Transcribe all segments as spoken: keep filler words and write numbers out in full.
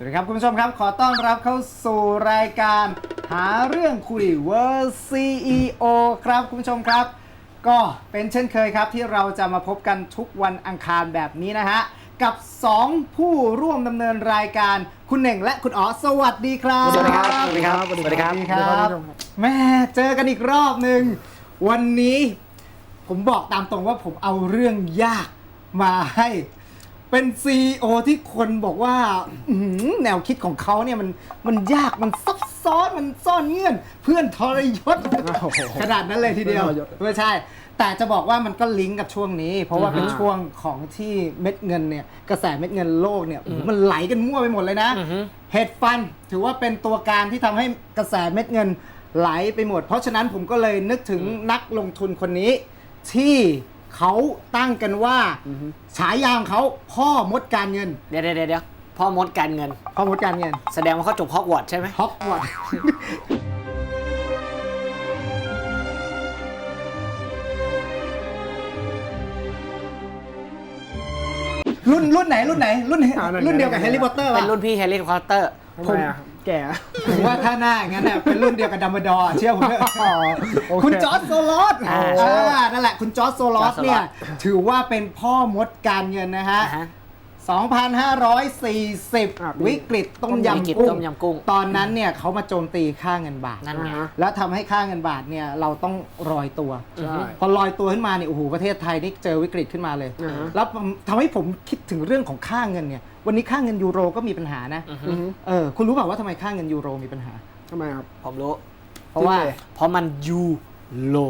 สวัสดีครับคุณผู้ชมครับขอต้อนรับเข้าสู่รายการหาเรื่องคุย World ซี อี โอ ครับคุณผู้ชมครับก็เป็นเช่นเคยครับที่เราจะมาพบกันทุกวันอังคารแบบนี้นะฮะกับสองผู้ร่วมดำเนินรายการคุณเหน่งและคุณอ๋อสวัสดีครับสวัสดีครับสวัสดีครับสวัสดีครับสวัสดีครับแม่เจอกันอีกรอบหนึ่งวันนี้ผมบอกตามตรงว่าผมเอาเรื่องยากมาให้เป็น ซี อี โอ ที่คนบอกว่าแนวคิดของเขาเนี่ยมันมันยากมันซับซ้อนมันซ่อนเงื่อนเพื่อนทรยศขนาดนั้นเลยทีเดียวไม่ใช่แต่จะบอกว่ามันก็ลิงก์กับช่วงนี้เพราะว่าเป็นช่วงของที่เม็ดเงินเนี่ยกระแสเม็ดเงินโลกเนี่ยมันไหลกันมั่วไปหมดเลยนะเฮดฟันถือว่าเป็นตัวการที่ทำให้กระแสเม็ดเงินไหลไปหมดเพราะฉะนั้นผมก็เลยนึกถึงนักลงทุนคนนี้ที่เขาตั้งกันว่าฉายาของเขาพ่อมดการเงินเดี๋ยวเดี๋ยวเดี๋ยวพ่อมดการเงินพ่อมดการเงินแสดงว่าเขาจบฮอกวอตส์ใช่ไหมฮอกวอตส์รุ่นรุ่นไหนรุ่นไหนรุ่นรุ่นเดียวกับแฮร์รี่พอตเตอร์ป่ะเป็นรุ่นพี่แฮร์รี่พอตเตอร์ผมแก่ผมว่าถ้าหน้าอย่างนั้นเนี่ยเป็นรุ่นเดียวกับดัมเบิลดอร์เชื่อผมเถอะคุณจอร์จโซลอสนั่นแหละคุณจอร์จโซลอสเนี่ยถือว่าเป็นพ่อมดการเงินนะฮะสองพันห้าร้อยสี่สิบ วิกฤตต้มยำกุ้งตอนนั้นเนี่ยเขามาโจมตีค่าเงินบาทแล้วทำให้ค่าเงินบาทเนี่ยเราต้องลอยตัวพอลอยตัวขึ้นมาเนี่ยโอ้โหประเทศไทยนี่เจอวิกฤตขึ้นมาเลยแล้วทำให้ผมคิดถึงเรื่องของค่าเงินเนี่ยวันนี้ค่าเงินยูโรก็มีปัญหานะเออคุณรู้เปล่าว่าทำไมค่าเงินยูโรมีปัญหาทำไมครับผมรู้เพราะว่าเพราะมันยูโร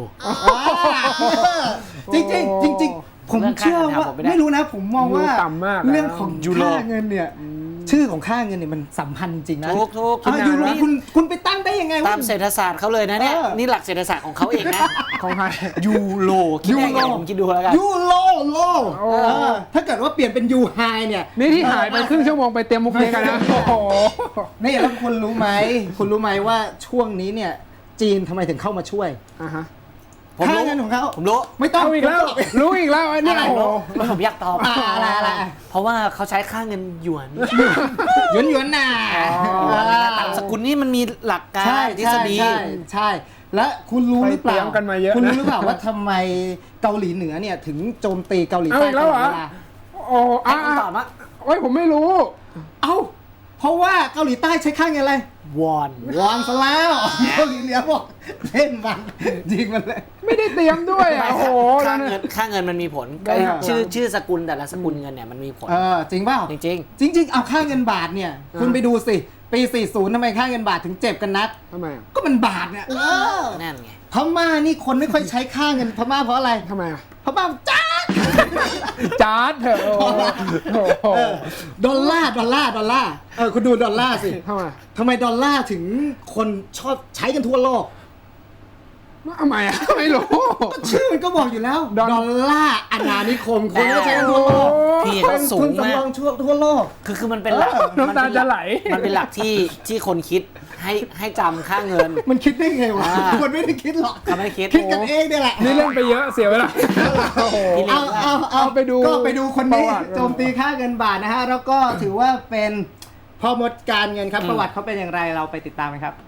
จริงจริงจริงผมเชื่อว่าไม่รู้นะผมมองว่าเรื่องของค่าเงินเนี่ยชื่อของค่าเงินเนี่ยมันสัมพันธ์จริงนะทุกทุกยูโรคุณคุณไปตั้งได้ยังไงตามเศรษฐศาสตร์เขาเลยนะเนี่ยนี่หลักเศรษฐศาสตร์ของเขาเองนะของใครยูโรคิดได้ไงผมคิดดูแล้วกันยูโรโลถ้าเกิดว่าเปลี่ยนเป็นยูไฮเนี่ยนี่ที่หายไปครึ่งชั่วโมงไปเตรียมมุกนี้กันนะโอ้โหนี่แล้วคุณรู้ไหมคุณรู้ไหมว่าช่วงนี้เนี่ยจีนทำไมถึงเข้ามาช่วยอ่าฮะค่าเงินของเขาผมรู้ไม่ต้องอีกแล้วรู้อีกแล้วอันนี้โอ้โหผมอยากตอบอะไรอะไรเพราะว่าเขาใช้ค่าเงินหยวนหยวนหยวนน่ะต่างสกุลนี่มันมีหลักการทฤษฎีใช่ใช่และคุณรู้หรือเปล่าคุณรู้หรือเปล่าว่าทำไมเกาหลีเหนือเนี่ยถึงโจมตีเกาหลีใต้ตลอดเวลาโอ้อ่าตอบมาโอ้ยผมไม่รู้เอ้าเพราะว่าเกาหลีใต้ใช้ค่าเงินอะไรวอนวอนซะแล้วเกาหลีเหนือบอกเล่นมันยิงมันเลยไม่ได้เตรียมด้วยอ่ะโอ้โหค่าเงินค่าเงินมันมีผลชื่อชื่อสกุลแต่ละสกุลเงินเนี่ยมันมีผลเออจริงเปล่าจริงจริงจริงๆเอาค่าเงินบาทเนี่ยคุณไปดูสิปีสี่สิบทำไมค่าเงินบาทถึงเจ็บกันนักทำไมก็มันบาทเนี่ยนั่นไงพม่านี่คนไม่ค่อยใช้ค่าเงินพม่าเพราะอะไรทำไมอ่ะพม่าจ้าจ้าเถอะดอลลาร์ดอลลาร์ดอลลาร์เออคุณดูดอลลาร์สิทำไมทำไมดอลลาร์ถึงคนชอบใช้กันทั่วโลกทำไมอ่ะไม่รู้ชื่อมันก็บอกอยู่แล้วดอลลาร์อาณานิคมคนก็ใช้กันทั่วโลกพี่เขาสูงมากทั่วทั่วโลกคือคือมันเป็นหลักน้ำตาจะไหลมันเป็นหลักที่ที่คนคิดให้ให้จำค่าเงินมันคิดได้ไงวะคนไม่ได้คิดหรอกเขาไม่คิดคิดกันเองเนี่ยแหละนี่เล่นไปเยอะเสียเวลาเอาเอาเอาไปดูก็ไปดูคนนี้โจมตีค่าเงินบาทนะฮะแล้วก็ถือว่าเป็นพ่อมดการเงินครับประวัติเขาเป็นอย่างไรเราไปติดตามกันครับ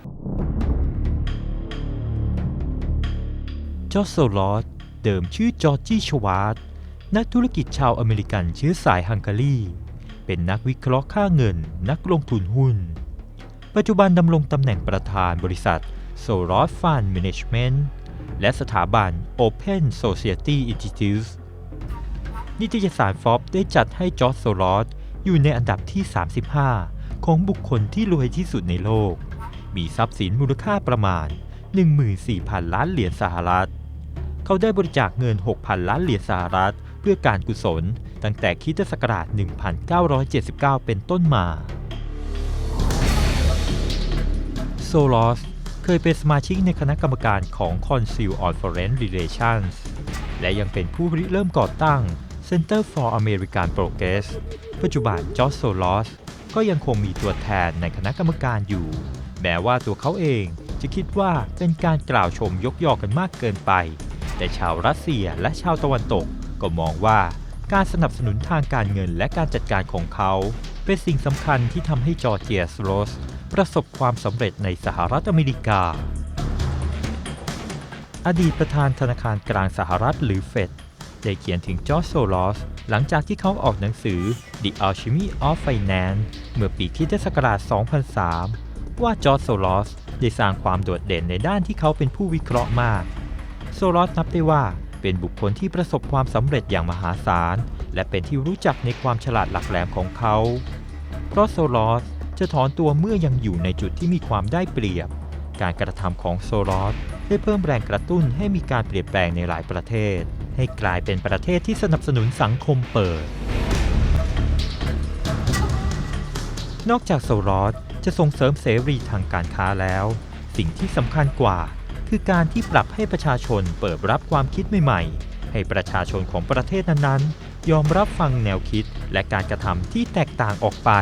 จอร์จ โซลอสเดิมชื่อจอร์จี้ ชวาร์ตนักธุรกิจชาวอเมริกันเชื้อสายฮังการีเป็นนักวิเคราะห์ค่าเงินนักลงทุนหุ้นปัจจุบันดำรงตำแหน่งประธานบริษัท Soros Fund Management และสถาบัน Open Society Institute นิตยสาร Forbes ได้จัดให้จอร์จ โซลอสอยู่ในอันดับที่สามสิบห้าของบุคคลที่รวยที่สุดในโลกมีทรัพย์สินมูลค่าประมาณ หนึ่งหมื่นสี่พัน ล้านเหรียญสหรัฐเขาได้บริจาคเงิน หกพัน ล้านเหรียญสหรัฐเพื่อการกุศลตั้งแต่คริสตศักราช หนึ่งพันเก้าร้อยเจ็ดสิบเก้า เป็นต้นมาโซลอสเคยเป็นสมาชิกในคณะกรรมการของ Council on Foreign Relations และยังเป็นผู้ริเริ่มก่อตั้ง Center for American Progress ปัจจุบันจอร์จ โซลอสก็ยังคงมีตัวแทนในคณะกรรมการอยู่แม้ว่าตัวเขาเองจะคิดว่าเป็นการกล่าวชมยกยอกันมากเกินไปแต่ชาวรัสเซียและชาวตะวันตกก็มองว่าการสนับสนุนทางการเงินและการจัดการของเขาเป็นสิ่งสำคัญที่ทำให้จอร์เจียสโรสประสบความสำเร็จในสหรัฐอเมริกา อดีตประธานธนาคารกลางสหรัฐหรือเฟดได้เขียนถึงจอร์จโซลอสหลังจากที่เขาออกหนังสือ The Alchemy of Finance เมื่อปีคริสตศักราช สองพันสาม ว่าจอร์จโซลอสได้สร้างความโดดเด่นในด้านที่เขาเป็นผู้วิเคราะห์มากโซลอสนับได้ว่าเป็นบุคคลที่ประสบความสำเร็จอย่างมหาศาลและเป็นที่รู้จักในความฉลาดหลักแหลมของเขาเพราะโซลอสจะถอนตัวเมื่อยังอยู่ในจุดที่มีความได้เปรียบการกระทำของโซลอสได้เพิ่มแรงกระตุ้นให้มีการเปลี่ยนแปลงในหลายประเทศให้กลายเป็นประเทศที่สนับสนุนสังคมเปิดนอกจากโซลอสจะส่งเสริมเสรีทางการค้าแล้วสิ่งที่สำคัญกว่าคือการที่ปรับให้ประชาชนเปิดรับความคิดใหม่ๆให้ประชาชนของประเทศนั้นๆยอมรับฟังแนวคิดและการกระทำที่แตกต่างออกไป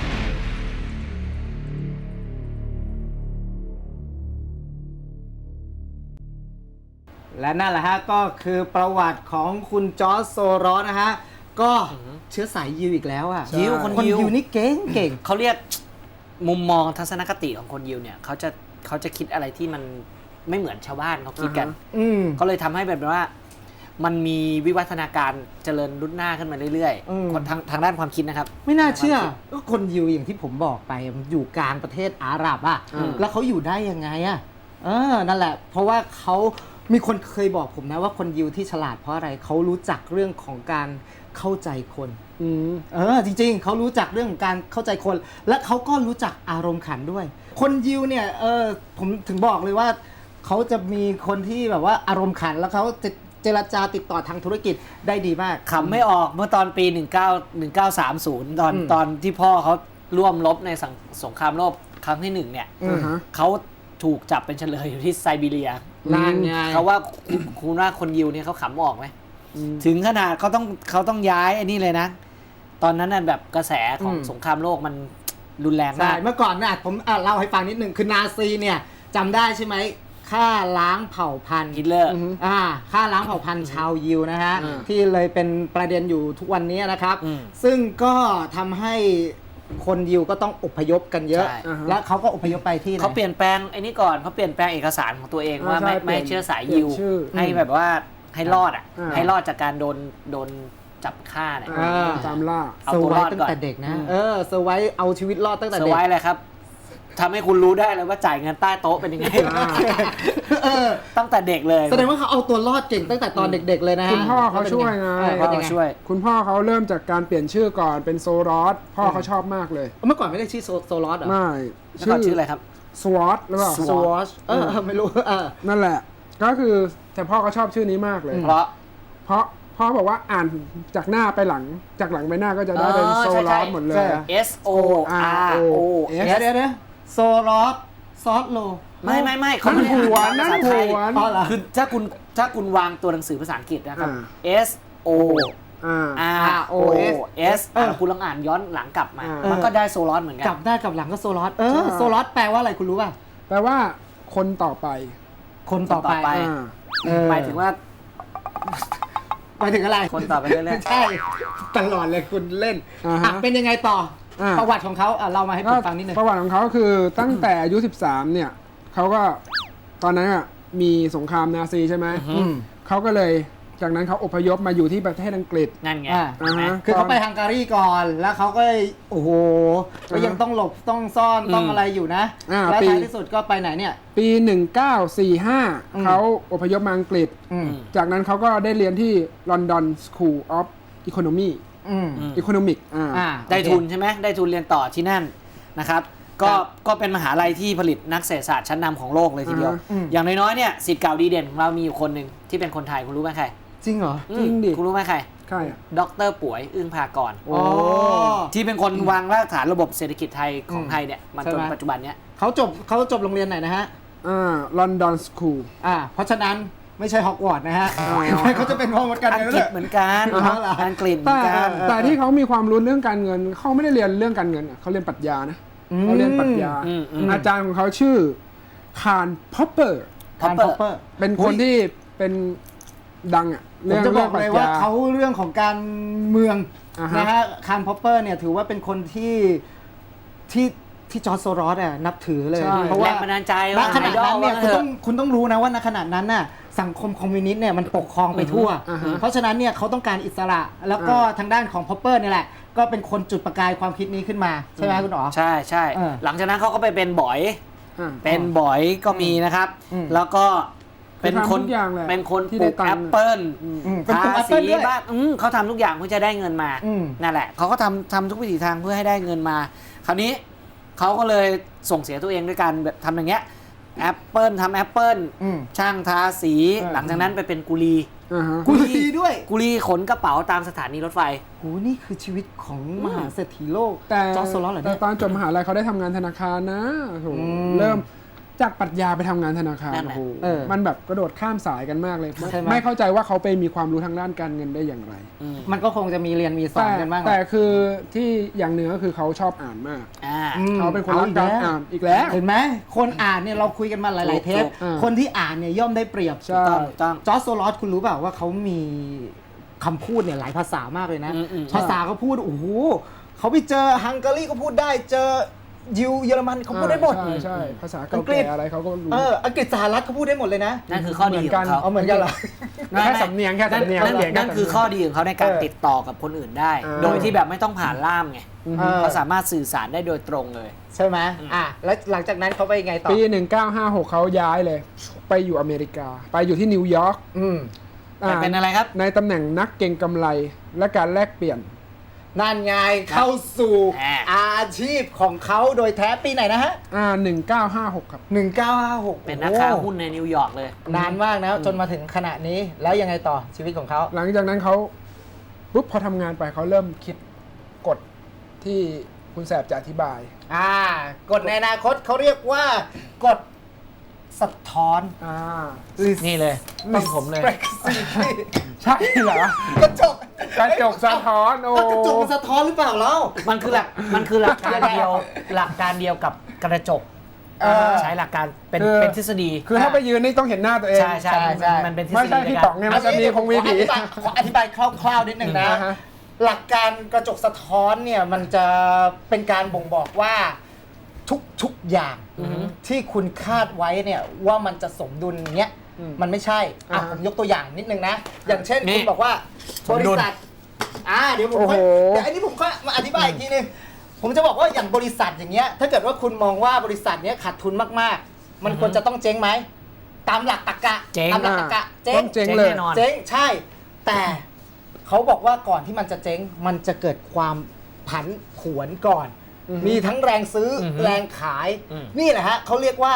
และนั่นแหละฮะก็คือประวัติของคุณจอร์จโซรอสนะฮะก็เชื้อสายยิวอีกแล้วอ่ะยิวคนคนยิวยิวนี่เก่งเก่งเขาเรียกมุมมองทัศนคติของคนยิวเนี่ยเขาจะเขาจะคิดอะไรที่มันไม่เหมือนชาวบ้านเขาคิดกันอืมก็เลยทำให้แบบว่ามันมีวิวัฒนาการเจริญรุ่นหน้าขึ้นมาเรื่อยอืมๆคนทางทางด้านความคิดนะครับไม่น่าเชื่อก็คนยิวอย่างที่ผมบอกไปมันอยู่กลางประเทศอาหรับอ่ะอืมแล้วเขาอยู่ได้ยังไงอ่ะเออนั่นแหละ เพราะว่าเขามีคนเคยบอกผมนะว่าคนยิวที่ฉลาดเพราะอะไรเขารู้จักเรื่องของการเข้าใจคนเออจริงๆเขารู้จักเรื่องของการเข้าใจคน และเขาก็รู้จักอารมณ์ขันด้วย คนยิวเนี่ยเออผมถึงบอกเลยว่าเขาจะมีคนที่แบบว่าอารมณ์ขันแล้วเขาจะเจรจาติดต่อทางธุรกิจได้ดีมากขำไม่ออกเมื่อตอนปี หนึ่งเก้า หนึ่งเก้าสามศูนย์ ตอนอืมตอนที่พ่อเขาร่วมรบในสังสงครามโลกครั้งที่หนึ่งเนี่ยอืมเขาถูกจับเป็นเฉลยอยู่ที่ไซบีเรียนั่นไงเขาว่าคุณคุณว่าคนยิวเนี่ยเขาขำออกไหมถึงขนาดเขาต้องเขาต้องย้ายไอ้นี่เลยนะ ตอนนั้นน่ะแบบกระแสของอืมสงครามโลกมันรุนแรงใช่มากเมื่อก่อนนะผมอ่ะเล่าให้ฟังนิดหนึ่งคือนาซีเนี่ยจำได้ใช่ไหมฆ่าล้างเผ่าพันธุ์ฮิตเลอร์อ่าฆ่าล้างเผ่าพันธุ์ชาวยิวนะฮะอืมที่เลยเป็นประเด็นอยู่ทุกวันนี้นะครับอืมซึ่งก็ทำให้คนยิวก็ต้องอพยพกันเยอะใช่แล้วเขาก็อพยพไปที่ไหนเขาเปลี่ยนแปลงไอ้นี่ก่อนเขาเปลี่ยนแปลงเอกสารของตัวเองว่าอ่าใช่ไม่เปลี่ไม่ยนเชื่อสายเปลี่ยิยนวชื่อให้แบบว่าให้รอดอ่ะอ่าให้รอดจากการโดนโดนจับฆ่าเนี่ยอ่าตามล่าเอาเซอตัร์วไว้รอดตั้งก่อนแต่เด็กนะอืมเออเซอร์ไว้เอาชีวิตรอดตั้งแต่เซอเด็ร์กไว้เลยครับทำให้คุณรู้ได้เลยว่าจ่ายเงินใต้โต๊ะเป็นยังไงเออตั้งแต่เด็กเลยแสดงว่าเขาเอาตัวรอดเก่งตั้งแต่ตอนเด็ก ๆ เลยนะฮะคุณพ่อเขาช่วยไงเออพ่อเป็นยังไงช่วยคุณพ่อเขาเริ่มจากการเปลี่ยนชื่อก่อนเป็นโซรอสพ่อเขาชอบมากเลยเมื่อก่อนไม่ได้ชื่อโซโซลอสเหรอไม่แล้วก่อนชื่ออะไรครับสวอตหรือเปล่าสวอชเออเออไม่รู้เออนั่นแหละ ก็คือแต่พ่อเขาชอบชื่อนี้มากเลยเพราะเพราะพ่อบอกว่าอ่านจากหน้าไปหลังจากหลังไปหน้าก็จะได้เป็นอ๋อโซใช่รใช่อสหมดเลยใช่ S O R O เดี๋ยวเดี๋ยวเดี๋ยวโซลอสซอสโลไม่ไม่ไม่เขานั่ไม่นได้หวอ่าน นนั่ภาน ษาหไทยวนอ๋อเหรอคือถ้าคุณถ้าคุณวางตัวหนังสือภาษาอังกฤษนะครับอ่า S O อ่า R O S เออคุณลองอ่านย้อนหลังกลับมาอ่ามัมันก็ได้โซลอสเหมือนกักลันบได้กลับหลังก็โซลอสเออใช่โซลอสแปลว่าอะไรคุณรู้ป่ะแปลว่าคนต่อไปคนต่อคนต่อไปไปอ่าเออหมายถึงว่าหมายถึงอะไรคนต่อไปเรื่อยๆใช่ตลอดเลยคุณเล่นอ่าฮะอ่ะเป็นยังไงต่ออา ประวัติของเขาอ่ะเรามาให้ผมฟังนิดนึงประวัติของเขาคือตั้งแต่อายุสิบสามเนี่ยเขาก็ตอนนั้นอ่ะมีสงครามนาซีใช่ไหมอืมเขาก็เลยจากนั้นเขาอพยพมาอยู่ที่ประเทศอังกฤษนั่นไงอ่าอ่าฮะคือเขาไปฮังการีก่อนแล้วเขาก็โอ้โหก็ยังต้องหลบต้องซ่อนต้องอะไรอยู่นะอ่าแล้วปีท้ายที่สุดก็ไปไหนเนี่ยปี หนึ่งเก้าสี่ห้าอืมเขาอพยพมาอังกฤษอืมจากนั้นเขาก็ได้เรียนที่ London School of Economy อืม Economic อ่าอ่าได้โอเคทุนใช่ไหมได้ทุนเรียนต่อที่นั่นนะครับ ก็ครับก็เป็นมหาลัยที่ผลิตนักเศรษฐศาสตร์ชั้นนำของโลกเลยทีเดียวอ่าฮะอืมอย่างน้อยๆเนี่ยศิษย์เก่าดีเด่นของเรามีอยู่คนหนึ่งที่เป็นคนไทยคุณรู้ไหมใครจริงเหรอจริงดิอืมคุณรู้ไหมใครใช่อ่ะดรป่วยอึ้งภากรโอ้ที่เป็นคนวางรากฐานระบบเศรษฐกิจไทยของอืมไทยเนี่ยมาใช่จนไหมปัจจุบันเนี้ยเขาจบเขาจบโรงเรียนไหนนะฮะอ่า London School อ่า เพราะฉะนั้นไม่ใช่ฮอกวอตส์นะฮะอ๋อเขาจะเป็นพ่อมดกันอังเลยกฤษเหมือนกันอ๋อเหรออังกฤษเหมืแต่อนกันแต่ที่เขามีความรู้เรื่องการเงินเขาไม่ได้เรียนเรื่องการเงินอะเขาเรียนปรัชญานะเขาเรียนปรัชญาอืมอืมอาจารย์ของเขาชื่อคาร์ลพอปเปอร์คาร์ล Popper พอปเปอร์เป็นคนที่เป็นดังอ่ะผมจะบอกเลยว่าเขาเรื่องของการเมืองอ่าฮะนะฮะคาร์ล พอปเปอร์เนี่ยถือว่าเป็นคนที่ที่ที่จอร์จ โซรอสอ่ะนับถือเลยใช่เพราะแรว่างบันดาลใจณว่าขณะนั้นเนี่ยไอคุณดอลต้องคุณต้องรู้นะว่าณขณะนั้นน่ะสังคมคอมมิวนิสต์เนี่ยมันปกครองไปทั่วอือฮึเพราะฉะนั้นเนี่ยเขาต้องการอิสระ แล้วก็ทางด้านของพอปเปอร์เนี่ยแหละก็เป็นคนจุดประกายความคิดนี้ขึ้นมาใช่ไหมคุณอ๋อใช่ใช่เออหลังจากนั้นเขาก็ไปเป็นบอยอ่าเป็นบอยก็มีนะครับอืมแล้วก็เป็นคนคือทำทุกอย่างแหละเป็นคนที่ปลูได้กตัแองค์ปเปิลอืมเป็นปลูกแอทาปเปิ้สีลด้วยบ้านอืมเขาทำทุกอย่างเพื่อจะได้เงินมาอืมนั่นแหละเขาก็ทำทำทุกวิถีทางเพื่อให้ได้เงินมา คราวนี้เขาก็เลยส่งเสียตัวเองด้วยการแบบทำอย่างเงี้ยแอปเปิลทำแอปเปิลอืมช่างทาสีเออหลังจากนั้นไปเป็นกุลีอ่าฮะกุลีด้วยกุลีขนกระเป๋าตามสถานีรถไฟโหนี่คือชีวิตของมหาเศรษฐีโลกแต่จอร์จ โซรอสเหรอแต่เนี่ยตอนจบมหาลัยเขาได้ทำงานธนาคารนะโอ้โหอืมเริ่มจากปรัชญาไปทำงานธนาคารนั่นแหละโอ้โหเออมันแบบกระโดดข้ามสายกันมากเลยใช่ไหมไม่เข้าใจว่าเขาไปมีความรู้ทางด้านการเงินได้อย่างไรอืมมันก็คงจะมีเรียนมีสอนแต่กันบ้างแหแต่ละคือที่อย่างหนึ่งก็คือเขาชอบอ่านมากอ่าอืมเขาเป็นคนรักการอ่านอีกแล้วเห็นไหมคนอ่านเนี่ยเราคุยกันมาหลายๆเทปถูกอ่าคนที่อ่านเนี่ยย่อมได้เปรียบใช่ต้องต้องจอร์จ โซรอสคุณรู้เปล่าว่าเขามีคำพูดเนี่ยหลายภาษามากเลยนะอืมอืมภาษาเขาพูดโอ้โหเขาไปเจอฮังการีก็พูดได้เจอยิวเยอรมันเขาพูดได้หมดใช่ใช่ภาษาอัเก่างกฤษแก่อะไรเขาก็รู้เอออังกฤษสหรัฐเขาพูดได้หมดเลยนะนั่นคือข้อดีของเขาเอาเหมือนกันเหรอแค่สำเนียงแค่สำเนียงนั่นเปลี่ยนแค่นั่นคือสำเนียงข้อดีของเขาในการเออติดต่อกับคนอื่นได้อ่าโดยที่แบบไม่ต้องผ่านล่ามไงอือเอฮึอเขาสามารถสื่อสารได้โดยตรงเลยใช่ไหมอ่ะแล้วหลังจากนั้นเขาไปยังไงต่อปี หนึ่งเก้าห้าหกเขาย้ายเลย ไปอยู่อเมริกา ไปอยู่ที่นิวยอร์กอืมแต่เป็นอะไรครับในตำแหน่งนักเก็งกำไรและการแลกเปลี่ยนนั่นไงเข้าสู่อ่าอาชีพของเขาโดยแท้ปีไหนนะฮะอ่าหนึ่งเก้าห้าหกครับหนึ่งเก้าห้าหกเป็นนักค้าหุ้นในนิวยอร์กเลยนานมากนะจนมาถึงขณะนี้แล้วยังไงต่อชีวิตของเขาหลังจากนั้นเขาปุ๊บพอทำงานไปเขาเริ่มคิดกฎที่คุณแสบจะอธิบายอ่ากฎในอนาคตเขาเรียกว่ากฎสะท้อนอ่านี่เลยต้องผมเลยใช่เหรอกระจกกระจกสะท้อนโอ้กระจกมันสะท้อนหรือเปล่าเรามันคือหลักมันคือหลักการเดียวหลักการเดียวกับกระจกเออใช้หลักการเป็นคือเป็นทฤษฎีคือถ้าไปยืนนี่ต้องเห็นหน้าตัวเองใช่ใช่ใช่มันเป็นทฤษไม่ฎีใช่ในพี่การป๋องเนี่ยมันจะมีคงมีผีขออธิบายขออธิบายคร่าวๆนิดหนึ่งนะอ่าฮะหลักการกระจกสะท้อนเนี่ยมันจะเป็นการบ่งบอกว่าทุกทุกอย่างอือฮึที่คุณคาดไว้เนี่ยว่ามันจะสมดุลเนี้ยอืมมันไม่ใช่อ่ะอ่าฮะผมยกตัวอย่างนิดนึงนะ อย่างเช่นนี่คุณบอกว่าสบมริดุลษัทอ่าเดี๋ยวผมโอ้โหค่อยเดี๋ยวอันนี้ผมก็มาอธิบายอีกทีนึงผมจะบอกว่าอย่างบริษัทอย่างเงี้ยถ้าเกิดว่าคุณมองว่าบริษัทเนี้ยขาดทุนมากๆ มันควรจะต้องเจ๊งไหมตามหลักตรรกะเจ๊งตามหลักตรรกะเจ๊ต้อง งเจ๊งเจ๊งเลยแน่นอนเจ๊งใช่ แต่เขาบอกว่าก่อนที่มันจะเจ๊งมันจะเกิดความผันผวนก่อนอือฮึมีทั้งแรงซื้อออฮึแรงขายอืมนี่แหละฮะเขาเรียกว่า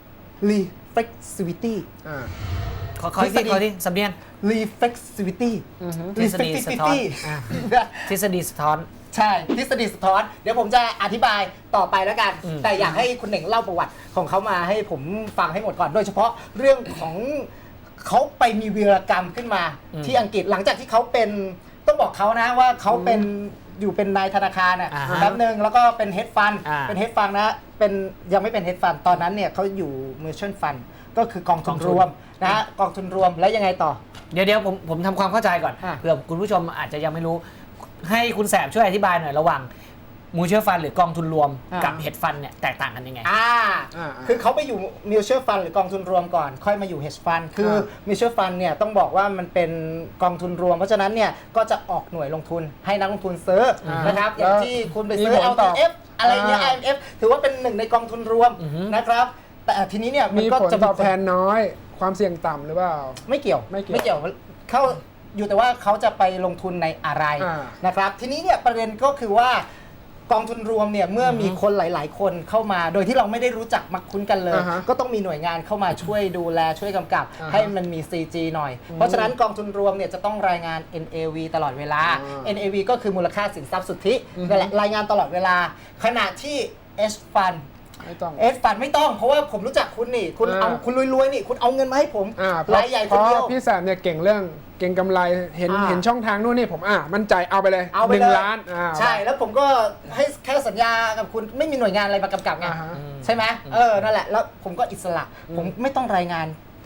reflexivity อ่าขอขอที่ขอที่สำเนียง reflexivity อือฮึทฤษฎีสะท้อนอ่ะ ทฤษฎีสะท้อนใช่ทฤษฎีสะท้อน เดี๋ยวผมจะอธิบายต่อไปแล้วกันอืมแต่อยากให้คุณเหน่งเล่าประวัติของเขามาให้ผมฟังให้หมดก่อน โดยเฉพาะเรื่องของเขาไปมีวีรกรรมขึ้นมา ที่อังกฤษหลังจากที่เขาเป็นต้องบอกเขานะว่าเขาเป็นอยู่เป็นนายธนาคารอ่ะอ่าฮะแป๊บนึงแล้วก็เป็นเฮดฟันอ่าเป็นเฮดฟันนะเป็นยังไม่เป็นเฮดฟันตอนนั้นเนี่ยเขาอยู่มิวชั่นฟันก็คือกองทุนรวมนะฮะกองทุนรวมแล้วยังไงต่อเดี๋ยวเดี๋ยวผมผมทำความเข้าใจก่อนอ่ะเผื่อคุณผู้ชมอาจจะยังไม่รู้ ให้คุณแสบช่วยอธิบายหน่อยระหว่างมูเชื่อฟันหรือกองทุนรวมกับเฮดฟันเนี่ยแตกต่างกันยังไงอ่าอ่าคือเขาไปอยู่มิวเช r ร์ฟันหรือกองทุนรวมก่อน ค่อยมาอยู่ hedge fund คืออ่ามิวเช r ร์ฟันเนี่ยต้องบอกว่ามันเป็นกองทุนรวม เพราะฉะนั้นเนี่ยก็จะออกหน่วยลงทุนให้นักลงทุนซื้ออา นะครับ อย่างแล้วที่คุณไปซื้อมีผลแอลต่ทีอเอฟ อะไรเงี้ยอ่าไอ เอ็ม เอฟ ถือว่าเป็นหนึ่งในกองทุนรวมอือฮึนะครับ แต่ทีนี้เนี่ยมันมีก็ผลจะตอบแทนน้อย ความเสี่ยงต่ำหรือเปล่าไม่เกี่ยวไม่เกี่ยวเขาอยู่แต่ว่าเขาจะไปลงทุนในอะไรอ่านะครับ ทีนี้เนี่ยประเด็นก็คือว่ากองทุนรวมเนี่ยเมื่อมีคนหลาย ๆ คนเข้ามา โดยที่เราไม่ได้รู้จักมักคุ้นกันเลยอ่าฮะก็ต้องมีหน่วยงานเข้ามาช่วยดูแลช่วยกำกับอ่าฮะให้มันมี ซี จี หน่อย เพราะฉะนั้นกองทุนรวมเนี่ยจะต้องรายงาน เอ็น เอ วี ตลอดเวลาอ่าเอ็น เอ วี ก็คือมูลค่าสินทรัพย์สุทธิอือฮึนั่นแหละรายงานตลอดเวลา ขณะที่ H Fund ไม่ต้องเอสฟันไม่ต้องเพราะว่าผมรู้จักคุณนี่ คุณอ่าเอาคุณรวยๆนี่ คุณเอาเงินมาให้ผมอ่าเพราราะยใหญ่เพคนราะเดียวพี่แสบเนี่ยเก่งเรื่องเก่งกำไรเห็นอ่าเห็นช่องทางนู่นนี่ผมอ่ะมั่นใจเอาไปเลยเอาไปหนึ่เลงยล้านอ่าใช่แล้วผมก็ให้แค่สัญญากับคุณไม่มีหน่วยงานอะไรมากำกับไงอ่าฮะใช่ไหมเออนั่นแหละแล้วผมก็อิสระ ผมไม่ต้องรายงาน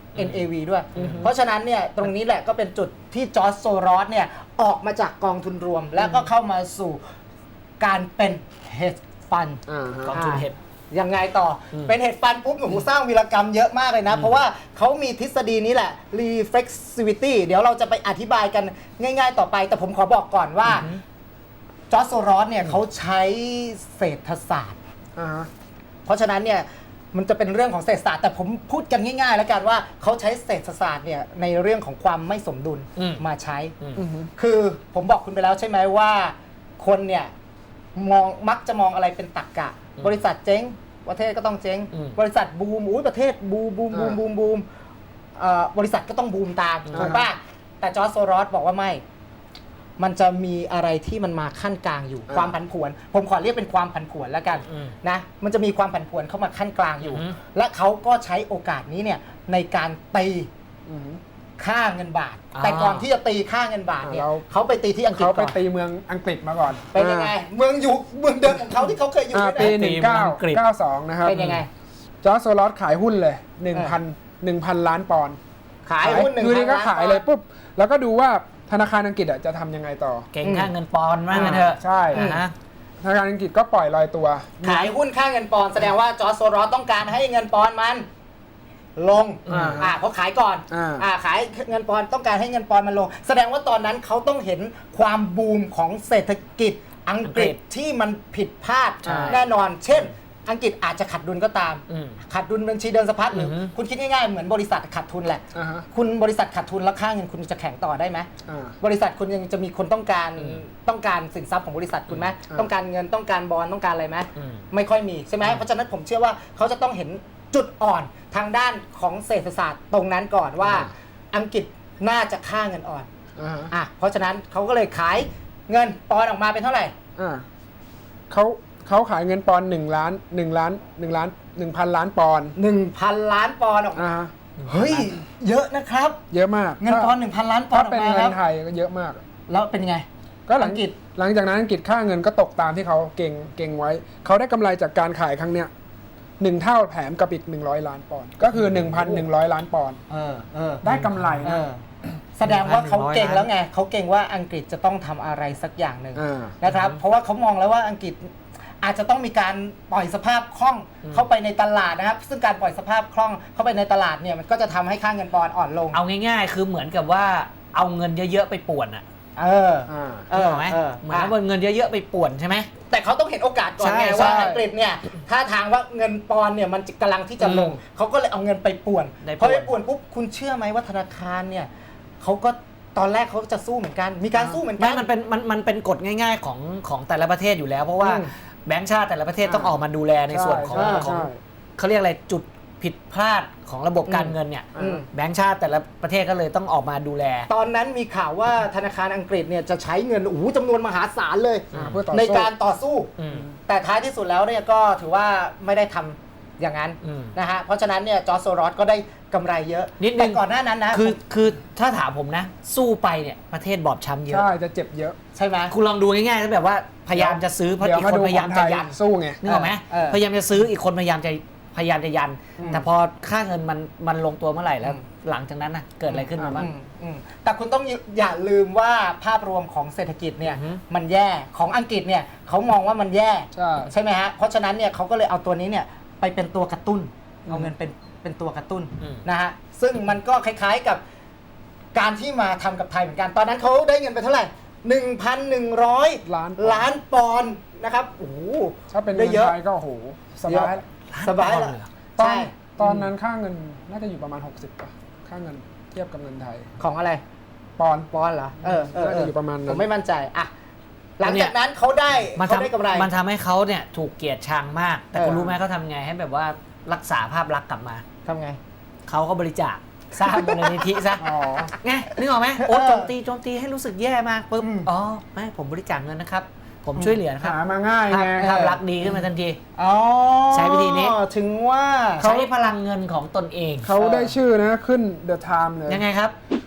เอ็น เอ วี ด้วย เพราะฉะนั้นเนี่ยตรงนี้แหละก็เป็นจุดที่จอร์จโซรอสเนี่ยออกมาจากกองทุนรวม แล้วก็เข้ามาสู่การเป็นเฮดฟันอ่าฮะกองทุนเห็ดยังไงต่ออมเป็นเห็ดฟันปุ๊บหนูสร้างวีรกรรมเยอะมากเลยนะ เพราะว่าเขามีทฤษฎีนี้แหละ reflexivity เดี๋ยวเราจะไปอธิบายกันง่ายๆต่อไป แต่ผมขอบอกก่อนว่าจอร์จโซรอสเนี่ยเขาใช้เศรษฐศาสตร์อ่าฮะเพราะฉะนั้นเนี่ยมันจะเป็นเรื่องของเศรษฐศาสตร์แต่ผมพูดกันง่ายๆ แล้วกันว่าเขาใช้เศรษฐศาสตร์เนี่ยในเรื่องของความไม่สมดุลอืมมาใช้อือฮึคือผมบอกคุณไปแล้วใช่ไหมว่าคนเนี่ยมองมักจะมองอะไรเป็นตรรกะ บริษัทเจ๊งประเทศก็ต้องเจ๊งอืมบริษัทบูมอุ้ยประเทศบูมบูมบูมบูมบูมเอ่อบริษัทก็ต้องบูมตามถูกป่ะแต่จอร์จโซรอสบอกว่าไม่ มันจะมีอะไรที่มันมาขั้นกลางอยู่อ่าความผันผวน ผมขอเรียกเป็นความผันผวนแล้วกันอืมนะมันจะมีความผันผวนเข้ามาขั้นกลางอยู่อือฮึและเขาก็ใช้โอกาสนี้เนี่ยในการตีอือฮึค่าเงินบาทอ่าแต่ก่อนที่จะตีค่าเงินบาทเนี่ยเราเขาไปตีที่อังกฤษเขาไปก่อนตีเมืองอังกฤษมาก่อนเป็นยังไง เมืองอยู่เมืองเดิมของเขาที่เขาเคยอยู่อ่านี่ปีแหละหนึ่งเก้าเก้าสองนะครับเป็นยังไงจอร์จโซลอสขายหุ้นเลยหนึ่งพันหนึ่งพันล้านปอนด์ขายหุ้นหนึ่งอยู่ดีก็พันขายเลยปุ๊บแล้วก็ดูว่าธนาคารอังกฤษอะจะทำยังไงต่อเก่งค่าเงินปอนด์มากนเถอะใช่อ่าฮะธนาคารอังกฤษก็ปล่อยลอยตัวขายหุ้นค่าเงินปอนด์แสดงว่าจอร์จโซรอสต้องการให้เงินปอนด์มัน ลงอ่าอ่าเพราะขายก่อนอ่าอ่าขายเงินปอนด์ต้องการให้เงินปอนด์มันลง แสดงว่าตอนนั้นเขาต้องเห็นความบูมของเศรษฐกิจอังกฤษที่มันผิดพลาดใช่แน่นอน เช่น อังกฤษอาจจะขาดดุลก็ตามอืมขาดดุลบัญชีเดินสะพัดหรือออฮึคุณคิดง่ายๆเหมือนบริษัทขาดทุนแหละอ่าฮะคุณบริษัทขาดทุนแล้วค่าเงินคุณจะแข็งต่อได้ไหมอ่าบริษัทคุณยังจะมีคนต้องการอืมต้องการสินทรัพย์ของบริษัทคุณไหมอ่าต้องการเงินต้องการบอลต้องการอะไรไหมอืมไม่ค่อยมีใช่ไหมเพราะฉะนั้นผมเชื่อว่าเขาจะต้องเห็นจุดอ่อนทางด้านของเศรษฐศาสตร์ตรงนั้นก่อนว่า อังกฤษน่าจะค่าเงินอ่อนอ่าฮะอ่ะเพราะฉะนั้นเขาก็เลยขายเงินปอนด์ออกมาเป็นเท่าไหร่อ่าเขาเขาขายเงินปอนด์หนึ่งล้านหนึ่งล้านหนึ่งล้านหนึ่งพันล้านปอนด์หนึ่งพัน ล้านปอนด์ออกมาอ่าฮะเฮ้ยเยอะนะครับเยอะมากเงินปอนด์หนึ่งพัน ล้านปอนถ้าด์ออเป็นกมาเงิครันบไทยก็เยอะมากแล้วเป็นไงก็หลังอังกฤษหลังจากนั้นอังกฤษค่าเงินก็ตกตามที่เขาเก่งเก่งไว้ เขาได้กำไรจากการขายครั้งเนี้ยหนึ่งเท่าแถมกับอีกหนึ่งร้อยล้านปอนด์ก็คือหนึ่งพันหนึ่งร้อยล้านปอนด์เออเออได้กำไรเอนะอแสดงว่าเขาเก่งหนึ่งพันหนึ่งร้อยแล้วไงเขาเก่งว่าอังกฤษจะต้องทำอะไรสักอย่างหนึ่งอ่านะครับ เพราะว่าเขามองแล้วว่าอังกฤษอาจจะต้องมีการปล่อยสภาพคล่องเข้าไปในตลาดนะครับ ซึ่งการปล่อยสภาพคล่องเข้าไปในตลาดเนี่ยมันก็จะทำให้ค่าเงินปอนด์อ่อนลงเอาง่ายๆ คือเหมือนกับว่าเอาเงินเยอะๆไปป่วนอ่ะเอออ่าเออถูกไหมเออเหมือนเอาเงินเยอะๆไปป่วนใช่ไหมแต่เขาต้องเห็นโอกาสก่อนใช่ไงใช่ว่าอังกฤษเนี่ยถ้าทางว่าเงินปอนด์เนี่ยมันกำลังที่จะลงอืมเขาก็เลยเอาเงินไปป่วนได้พอไปป่วนป่วนปุ๊บคุณเชื่อไหมว่าธนาคารเนี่ยเขาก็ตอนแรกเขาจะสู้เหมือนกัน มีการสู้เหมือนกัไม่นมันเป็นมันมันเป็นกฎง่ายๆของของแต่ละประเทศอยู่แล้ว เพราะว่าอืมแบงก์ชาติแต่ละประเทศต้องออกมาดูแลในส่วนของใช่ของใช่เขาเรียกอะไรจุดผิดพลาดของระบบการเงินเนี่ยอืมแบงก์ชาติแต่ละประเทศก็เลยต้องออกมาดูแลตอนนั้นมีข่าวว่าธนาคารอังกฤษเนี่ยจะใช้เงินโอ้โหจำนวนมหาศาลเลยอ่าเพื่อต่อในสู้การต่อสู้อืมแต่ท้ายที่สุดแล้วเนี่ยก็ถือว่าไม่ได้ทำอย่างนั้นอืมนะฮะเพราะฉะนั้นเนี่ยจอร์จโซรอสก็ได้กำไรเยอะนิดนึงแต่ก่อนหน้านั้นนะคือคือถ้าถามผมนะ สู้ไปเนี่ยประเทศบอบช้ำเยอะใช่จะเจ็บเยอะใช่ไหมคุณลองดูง่ายๆแล้วแบบว่าพยายามจะซื้อเพราะเดี๋ยวอีกมาคนดูพยายามของไทจะยยันสู้ไงนึกออกไหมเออพยายามจะซื้ออีกคนพยายามจะพยายามจะยันอืมแต่พอค่าเงินมันมันลงตัวเมื่อไหร่แล้วอืมหลังจากนั้นนะเกิดอะไรขึ้นมาบ้างอืมอืมแต่คุณต้องอย่าลืมว่าภาพรวมของเศรษฐกิจเนี่ยอือฮึมันแย่ของอังกฤษเนี่ยเขามองว่ามันแย่ใช่ใช่ไหมฮะเพราะฉะนั้นเนี่ยเขาก็เลยเอาตัวนี้เนี่ยไปเป็นตัวกระตุ้นเอาเงินเป็นเป็นตัวกระตุ้นอืมนะฮะซึ่งมันก็คล้ายๆกับการที่มาทำกับไทยเหมือนกัน ตอนนั้นเขาได้เงินไปเท่าไหร่ หนึ่งพันหนึ่งร้อยล้านล้านปอนด์นะครับโอ้โหถ้าเป็นได้เงินเยอะไทยก็โอ้โหสบายละสบายล้นปอนแล้วด์เหรอตอนใช่ตอนนั้นค่าเงินน่าจะอยู่ประมาณหกสิบป่ะค่าเงินเทียบกับเงินไทยของอะไรปอนด์ปอนด์เหรอเออเออน่าเอจะออยู่ประมาณนั้นผมไม่มั่นใจอ่ะหลังจากนั้นเขาได้มันเขาได้ทำกำไรมันทำให้เขาเนี่ยถูกเกลียดชังมาก แต่เออคุณรู้ไหมเขาทำไงให้แบบว่ารักษาภาพลักษณ์กลับมาทำไงเขาก็บริจาคสร้างมูลนิธิซะอ๋อไงนึกออกไหมโอ้เออโจมตีโจมตีให้รู้สึกแย่มากปุ๊บอืมอ๋อไม่ผมบริจาคเงินนะครับ ผมช่วยเหลือนะครับหามาง่ายภาพไงภาพลักษณ์ดีขึ้นมาทันทีอ๋อใช้วิธีนี้ถึงว่าใช้พลังเงินของตนเองเขาได้ชื่อนะขึ้น The Time เลยยังไงครับ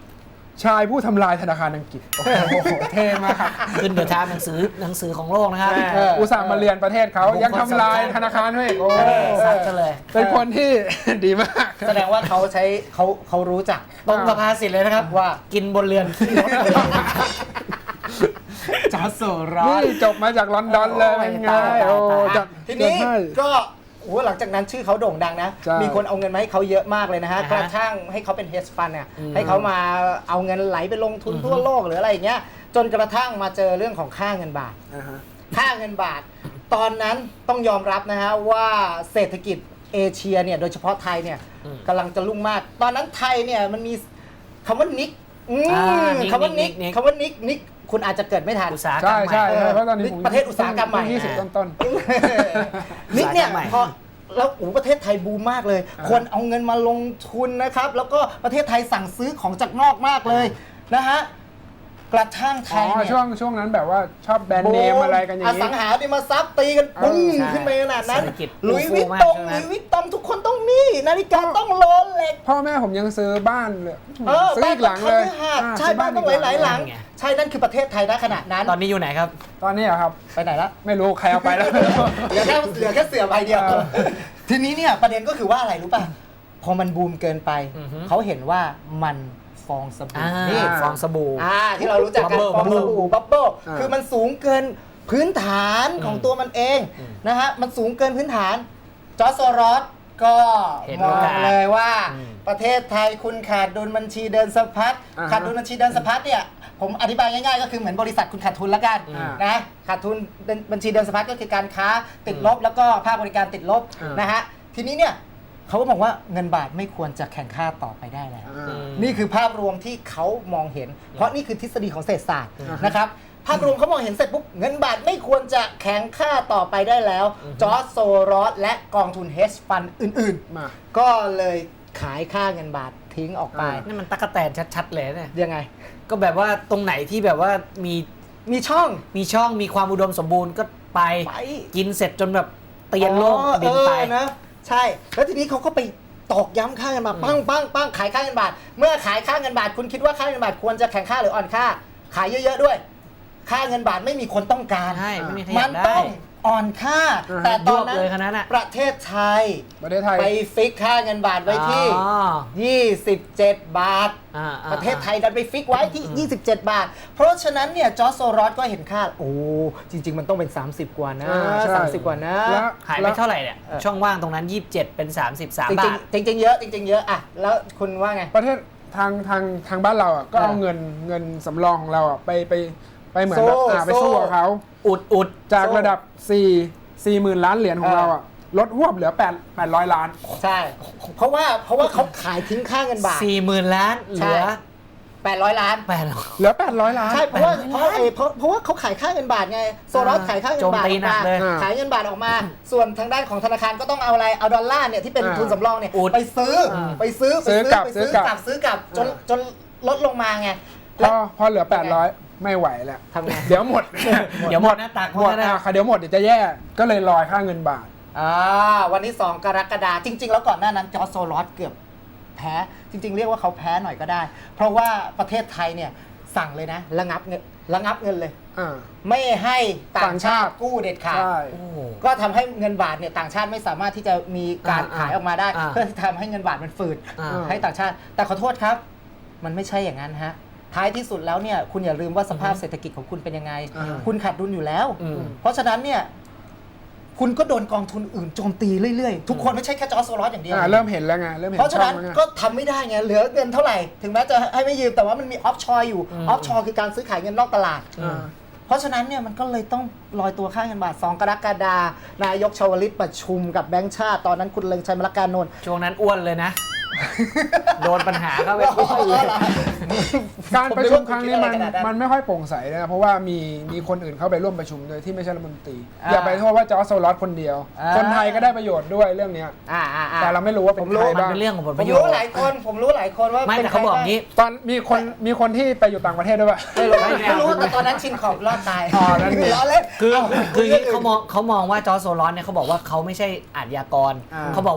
ชายผู้ทำลายธนาคารอังกฤษโอ้โหเท่มากครับขึ้นเดอะไทม์หนังสือหนังสือของโลกนะครับเอออุตส่าห์มาเรียนประเทศเขายังทำลายธนาคารด้วยอีกโอ้ซัดกันเลยเป็นคนที่ ดีมากแสดงว่าเขาใช้เขาเขารู้จักตรงกับภาษิตเลยนะครับว่ากินบนเรือนขี้รถจอร์จโซรอนี่สจบมาจากลอนดอนเลยเป็นไงตายตายโอ้ตายจัดทีนี้จัดให้ก็โอ้หลังจากนั้นชื่อเขาโด่งดังนะใช่มีคนเอาเงินมาให้เขาเยอะมากเลยนะฮะอ่าฮะกระทั่งให้เขาเป็นเฮดฟันเนี่ยอืมให้เขามาเอาเงินไหลไปลงทุนอือฮึทั่วโลกหรืออะไรอย่างเงี้ยจนกระทั่งมาเจอเรื่องของค่าเงินบาทอ่าฮะค่าเงินบาท ตอนนั้นต้องยอมรับนะฮะว่าเศรษฐกิจเอเชียเนี่ยโดยเฉพาะไทยเนี่ยอืมกำลังจะรุ่งมาก ตอนนั้นไทยเนี่ยมันมีคำว่านิกอืมอ่านิกคำว่านิกนิกคำว่านิกนิกคุณอาจจะเกิดไม่ทันอุตสาหกรรใช่มใหม่ใช่ใช่เพราะตอนนี้ผมประเทศอุตสาหกรรมใหม่ยี่สิบต้นต้นนิกเนี่ยอุตสาหกรรมใหม่พอแล้วโอ้ประเทศไทยบูมมากเลยอ่าคนเอาเงินมาลงทุนนะครับ แล้วก็ประเทศไทยสั่งซื้อของจากนอกมากเลยนะฮะกระทั่งไทอ๋อยเนี่ยช่วงช่วงนั้นแบบว่าชอบแบรนด์เนมอะไรกันอย่างอนี้สังหาริมทรัพย์ตีกันปุ้งใช่ขึ้นไปขนาดนั้นเศรษฐกิจหลุยส์ฟูวิตมากตงใช่หไหมลุยส์วิตตองทุกคนต้องมีนาฬิกาต้องโรเล็กพ่อแม่ผมยังซื้อบ้านเลยเออซื้ออีกหลังเลยบ้านอ่าใช่ซื้บ้านต้องหลายๆหลังไงใช่นั่นคือประเทศไทยณขณะนั้นตอนนี้อยู่ไหนครับตอนนี้อะครับไปไหนละไม่รู้ใครเอาไปแล้วเหลือแค่เหลือแค่เสือใบเดียวเออทีนี้เนี่ยประเด็นก็คือว่าอะไรรู้ป่ะ พอมันบูมเกินไปอือฮึเขาเห็นว่ามันฟองสบู่อ่านี่ฟองสบู่อ่าที่เรารู้จักกัน Bubble ฟองสบู่บับเบิ้ลอ่าคือมันสูงเกินพื้นฐานของตัวมันเองนะฮะมันสูงเกินพื้นฐาน จอร์จโซรอสก็เห็นมองโอกาสเลยว่าอืมประเทศไทยคุณขาดดุลบัญชีเดินสะพัดอ่าฮะขาดดุลบัญชีเดินสะพัดเนี่ยผมอธิบายง่ายๆก็คือเหมือนบริษัทคุณขาดทุนละกันอ่านนะขาดทุนบัญชีเดินสะพัดก็คือการค้าติดลบแล้วก็ภาคบริการติดลบอ่านนะฮะทีนี้เนี่ยเขาก็มองว่าเงินบาทไม่ควรจะแข่งค่าต่อไปได้แล้วอ่านี่คือภาพรวมที่เขามองเห็น เพราะนี่คือทฤษฎีของเศรษฐศาสตร์อืมนะครับ ภาพรวมเขามองเห็นเสร็จปุ๊บเงินบาทไม่ควรจะแข็งค่าต่อไปได้แล้ว จอร์จโซรอสและกองทุนเฮดฟันอื่นมาๆ ก็เลยขายค่าเงินบาททิ้งออกไปอ่านี่มันตั๊กแตนชัดๆเลยเนี่ยยังไงก็แบบว่าตรงไหนที่แบบว่ามีมีช่องมีช่องมีความอุดมสมบูรณ์ก็ไปไปกินเสร็จจนแบบเตียนโลกอ๋อบินไปเออนะใช่ แล้วทีนี้เขาก็ไปตอกย้ำค่าเงินบาทปั้งปั้งปั้งขายค่าเงินบาท เมื่อขายค่าเงินบาทคุณคิดว่าค่าเงินบาทควรจะแข็งค่าหรืออ่อนค่า ขายเยอะๆด้วย ค่าเงินบาทไม่มีคนต้องการใช่ไม่มีใครอมัยาน กได้ต้องอ่อนค่าอ่าฮะแต่ตอนนั้ยวบเลยขนาดนั้นนอะประเทศไทยประเทศไทยไปฟิกค่าเงินบาทไว้ที่อ๋อยี่สิบเจ็ด บาทอ่าอ่าประเทศไทยดันไปฟิกไว้ที่ ยี่สิบเจ็ด บาท เพราะฉะนั้นเนี่ยจอร์จโซรอสก็เห็นค่า โอ้ จริง ๆ มันต้องเป็น สามสิบ กว่านะอ่าใช่สามสิบ กว่านะแล้วหายไปแล้วเท่าไหร่เนี่ยเออช่องว่างตรงนั้น ยี่สิบเจ็ด เป็น สามสิบสามจบาริงทๆจริงๆเยอะจริง ๆ เยอะอะแล้วคุณว่าไงประเทศทางทางทางบ้านเราอ่ะก็เอาเออเงินเงินสำรองของเราอ่ะไปไปไปเหมือนสู้แบบอ่าไปสู้สู้กับเขาอุดอุดจากสู้ระดับสี่ สี่หมื่นล้านเหรียญของเออเราอ่ะลดหวบเหลือแปด แปดร้อยล้านใช่ เพราะว่าเพราะว่าเขาขายทิ้งค่าเงินบาทสี่หมื่นล้านเหใช่ลือแปดร้อย ล้านแปดร้อยเหลือแปดร้อยล้านใช่เพราะว่าแปดร้อยเพราะไอ้เพราะเพราะว่าเขาขายค่าเงินบาทไงโซรอสขายค่าเงินบาทโจมตีออกหนัมากเลยขายเงินบาทออกมา ส่วนทางด้านของธนาคารก็ต้องเอาอะไรเอาดอลลาร์เนี่ยที่เป็นอ่าทุนสำรองเนี่ยอุดไปซื้ออา ไปซื้อไปซื้อกลับไปซื้ซื้ออกลับกลับซื้อกลับจนอ่าจนลดลงมาไงพแล้อวพอเหลือแปดร้อยไม่ไหวแล้วทำไงเดี๋ยวหมดเดี๋ยวหมดหน้าตักหมดหมดนะอ่ะค่ะเดี๋ยวหมดเดี๋ยวจะแย่ก็เลยลอยค่าเงินบาทอ่าวันที่สองกรกฎาคมจริง ๆ แล้วก่อนหน้านั้นจอร์จโซรอสเกือบแพ้จริง ๆ เรียกว่าเขาแพ้หน่อยก็ได้ เพราะว่าประเทศไทยเนี่ยสั่งเลยนะระงับเงินระงับเงินเลยอ่าไม่ให้ต่างต่างชาชาติติกู้เด็ดขาดใช่โอ้โหก็ทำให้เงินบาทเนี่ยต่างชาติไม่สามารถที่จะมีการอ่าขายออกมาได้อ่าเพื่อที่ทำให้เงินบาทมันฝืดอ่าให้ต่างชาติ แต่ขอโทษครับ มันไม่ใช่อย่างนั้นฮะท้ายที่สุดแล้วเนี่ยคุณอย่าลืมว่าสภาพเศรษฐกิจของคุณเป็นยังไงอ่าคุณขาดดุลอยู่แล้วอืมเพราะฉะนั้นเนี่ยคุณก็โดนกองทุนอื่นโจมตีเรื่อยๆ ทุกคนไม่ใช่แค่จอร์จโซรอสอย่างเดียวอ่าเริ่มเห็นแล้วไงเริ่มเห็นเพราะฉะนั้นช่องแล้วไงก็ทำไม่ได้ไงเหลือเงินเท่าไหร่ ถึงแม้จะให้ไม่ยืมแต่ว่ามันมีออฟชอร์อยู่ออฟชอร์คือการซื้อขายเงินนอกตลาดอ่าเพราะฉะนั้นเนี่ยมันก็เลยต้องลอยตัวค่าเงินบาท สอง กรกฎาคมนายกชวลิตประชุมกับแบงก์ชาติ ตอนนั้นคุณเลิงชัยมรการนนท์ช่วงนั้นอ้วนเลยนะ โดนปัญหาเข้าไปอ๋อเหรอการประชุมครั้งนี้มันผมไม่รู้ว่าคุณคิดอะไรขนาดนั้นมันไม่ค่อยโปร่งใสนะเพราะว่ามีมีคนอื่นเข้าไปร่วมประชุมโดยที่ไม่ใช่รัฐมนตรีอ่าอย่าไปโทษว่าจอร์จโซรอสคนเดียวอ่าคนไทยก็ได้ประโยชน์ด้วยเรื่องเนี้ยอ่าอ่าอ่าแต่เราไม่รู้ว่าเป็นผมรู้ใครมันบ้างเป็นเรื่องของผลผประมโยชรู้น์หลายคนผมรู้หลายคนว่าไม่เป็นแต่เขาบอกงี้ตอนมีคนมีคนที่ไปอยู่ต่างประเทศด้วยป่ะไม่รู้ไม่ไม่รู้แต่ตอนนั้นชินขอบรอดตายอ๋อนั่นไงล้อเล่นคือเาคืออย่างนี้รื่เขามองเขามองว่าจอร์จโซรอสเนี่ยเขาบอกว่าเขาไม่ใช่อาชญากรอ่าเขาบอกว่า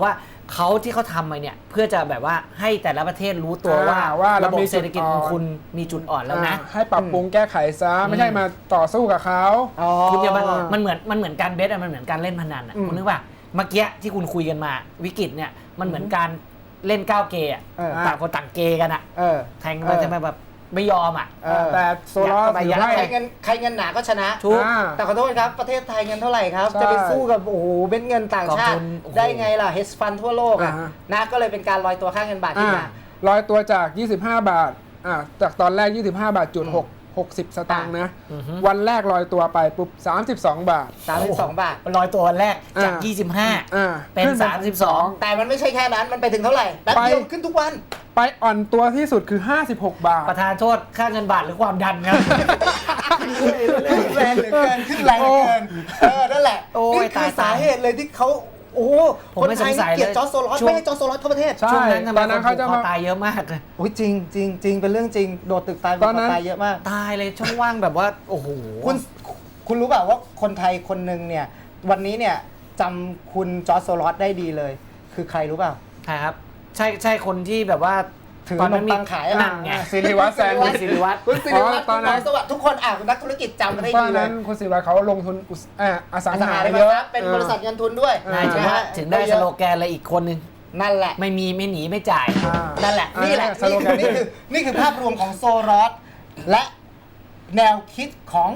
เขาที่เขาทำมาเนี่ยเพื่อจะแบบว่าให้แต่ละประเทศรู้ตัวว่าอ่าว่าเราระบบมีจุดเศรษฐกิจของอ่อนคุณมีจุดอ่อนแล้วนะอ่าให้ปรับปรุงแก้ไขซะไม่ใช่มาต่อสู้กับเขาอ๋อคุณอย่ามันมันเหมือนมันเหมือนการเบสอะมันเหมือนการเล่นพนันอะอืมคุณนึกว่าเมื่อกี้ที่คุณคุยกันมาวิกฤตเนี่ยมันเหมือนการเล่นก้าวเกย์อะเออต่างคนต่างเกย์กันอะเออแทงมันจะมาแบบไม่ยอมอะเออแต่โซลาร์ยัดเข้าไปถือยัดให้ใครเงินใครเงินหนาก็ชนะทุกอ่าแต่ขอโทษครับ ประเทศไทยเงินเท่าไหร่ครับใช่จะไปสู้กับ โอ้โหเบ็นเงินต่างชาติกองทุนโอ้โหได้ไงล่ะ เฮดฟันทั่วโลกอ่ะอ่านะก็เลยเป็นการลอยตัวค่าเงินบาทขึ้นอ่ามาลอยตัวจาก ยี่สิบห้า บาทอ่าจากตอนแรก ยี่สิบห้า บาทจุดหก หกสิบสตางค์นะอือฮึวันแรกลอยตัวไปปุ๊บสามสิบสองบาทสามสิบสองบาทลอยตัววันแรกจากอ่ายี่สิบห้าอ่าเป็นขึ้สามสิบสองแต่มันไม่ใช่แค่นั้น มันไปถึงเท่าไหร่แป๊บเดียวขึ้นทุกวันไปอ่อนตัวที่สุดคือ ห้าสิบหก บาทประธานโทษค่าเงินบาทหรือความดันครับขึ้นแรงเหลือเกิน ขึ้นแรงเหลือเกิน เออ นั่นแหละโอ้ยนี่คือตายสาเหตุเลยที่เขาโอ้โหผมคนไม่ไทยสงสัยเกลียดเลยจอร์จโซลอสช่วงไม่ให้จอร์จโซลอสเข้าประเทศใช่ช่วงนั้นทำไมตอนนั้นคนผูเขาจะกคอมาตายเยอะมากเลยโอ้ยจริงจริงจริงเป็นเรื่องจริง โดดตึกตายตอนนั้นตายเยอะมากตายเลยช่องว่างแบบว่าโอ้โหคุณคุณรู้เปล่าว่าคนไทยคนหนึ่งเนี่ย วันนี้เนี่ยจำคุณจอร์จโซลอสได้ดีเลย คือใครรู้เปล่าใช่ครับ ใช่ใช่คนที่แบบว่าถือตอนนั้นขนมปังขายอะนั่นไงสิริวัฒน์แซนวิชสิริวัฒน์คุณสิริวัฒน์ตอนนั้นคุณหมสวัสดิ์ทุกคนอ่ะนักธุรกิจจำได้ตอดีนเลนั้ยนคุณศิริวัฒน์เขาลงทุนอุตสอ่าอสังอสังหาหาริมเยอะทรัพย์เป็นบริษัทเงินทุนด้วยอ่านายถึงนะว่าฮะถึงได้สโลแกนเลยอีกคนนึงนั่นแหละไม่มีไม่หนีไม่จ่ายอ่านั่นแหละอ่านี่แหละสโลนี่แกคือน นี่คือนี่คือภาพรวมของโซลอสและแนวคิดของ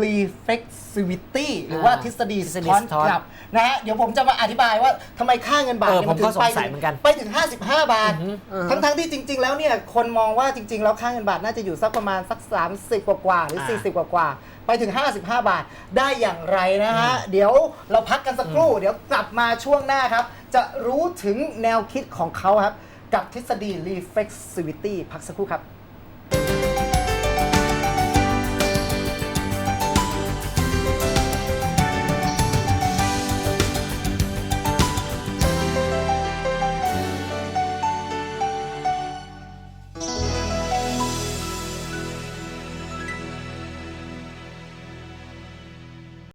reflexivity หรือว่าทฤษฎีทฤษสะฎีท้อนสะท้อนกลับนะฮะเดี๋ยวผมจะมาอธิบายว่าทำไมค่าเงินบาทเออเนี่ยมันถึผมก็งไปสงสัยถึงเหมือนกันไปถึง ห้าสิบห้า บาทอือฮึทั้งๆที่จริง ๆ แล้วเนี่ยคนมองว่าจริง ๆ แล้วค่าเงินบาทน่าจะอยู่สักประมาณสัก สามสิบ กว่าๆหรืออ่าสี่สิบ กว่าๆไปถึง ห้าสิบห้า บาทได้อย่างไรนะฮะ เดี๋ยวเราพักกันสักครู่ เดี๋ยวกลับมาช่วงหน้าครับ จะรู้ถึงแนวคิดของเขาครับกับทฤษฎี reflexivity พักสักครู่ครับ